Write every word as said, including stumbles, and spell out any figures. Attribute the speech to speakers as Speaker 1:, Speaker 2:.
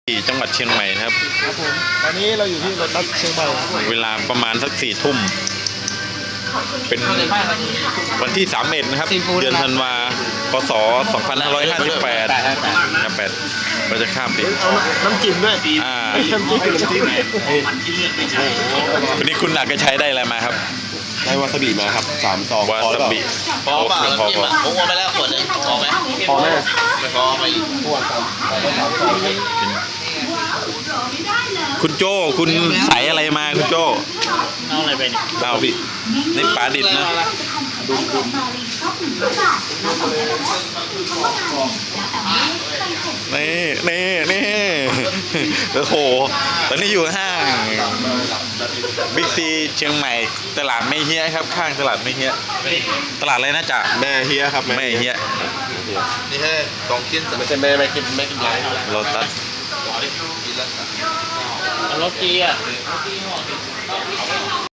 Speaker 1: ที่จังหวัดเชียงใหม่นะครับ
Speaker 2: ครับผมตอนนี้เราอยู่ที่รถบัสเชียงใหม่
Speaker 1: เวลาประมาณสักสี่ทุ่มเป็นวันที่สามเอ็ดนะครับเดือนธันวาคมสองพันห้าร้อยห้าสิบแปดนะแปดเราจะข้ามปี
Speaker 2: เอาน้ำจิ้มด้วย
Speaker 1: อ่า
Speaker 2: น้ำจิ้มน้ำจิ้ม
Speaker 1: วันนี้คุณหนักก็ใช้ได้อะไรมาครับ
Speaker 3: ได้วาซาบิมาครับสามซอง
Speaker 1: วาซาบิ
Speaker 4: พอเปล่าน้ำจิ้มอ่ะผมเอาไปแล้วขวดนึงพอไหม
Speaker 2: พอไหม
Speaker 4: ไม่พอไปอีก
Speaker 2: พวกสามสามซอง
Speaker 1: คุณโจ้คุณใส่อะไรมาคุณโจ้
Speaker 4: เอาอะไรไปเนี่ย
Speaker 1: เอาบินี่ปลาดิบนะนี่นี่นี่โอ้โหตอนนี้อยู่ห้างบิ๊กซีเชียงใหม่ตลาดไม่เฮี้ยครับข้างตลาดไม่เฮี้ยตลาดอะไรนะจ๊ะ
Speaker 3: แม่เฮียครับ
Speaker 1: แม่เฮี้ย
Speaker 4: นี่แค่สองชิ้น
Speaker 3: ไม่ใช่แม่ไม่กินไม่กินไร
Speaker 1: โลตัส
Speaker 4: รถจีอ่ะ